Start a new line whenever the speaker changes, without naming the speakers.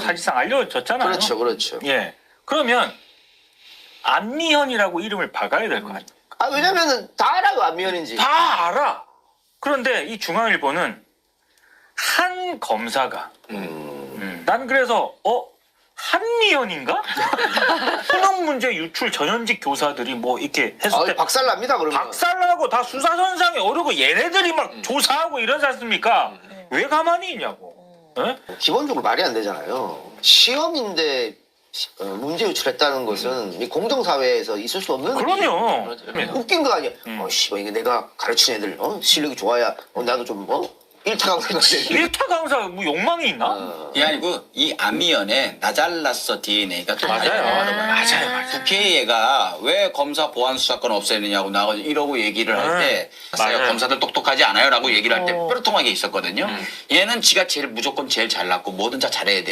사실상 알려졌잖아요.
그렇죠, 그렇죠.
예. 그러면 안미현이라고 이름을 박아야 될 거 아니에요.
아, 왜냐면은 다 알아요, 안미연인지.
다 알아. 그런데 이 중앙일보는 한 검사가 난 그래서 한미연인가? 수능 문제 유출 전현직 교사들이 뭐 이렇게 했을 때
박살납니다, 그러면.
박살나고 다 수사선상에 오르고 얘네들이 막 조사하고 이러지 않습니까? 왜 가만히 있냐고. 예?
기본적으로 말이 안 되잖아요. 시험인데 문제 유출했다는 것은 이 공정사회에서 있을 수 없는
그럼요.
웃긴 거 아니야. 씨발 이게 내가 가르친 애들 실력이 좋아야 나도 좀 일타 강사가 돼.
일타 강사 뭐 욕망이 있나?
이게 아니고 이 안미연의 나 잘났어 DNA가 또
맞아요.
국회의가 왜 검사 보안 수사권 없애느냐고 나가서 이러고 얘기를 할 때
맞아요.
검사들 똑똑하지 않아요라고 얘기를 할 때 뾰루통하게 있었거든요. 얘는 지가 제일 무조건 제일 잘났고 뭐든 다 잘해야 돼.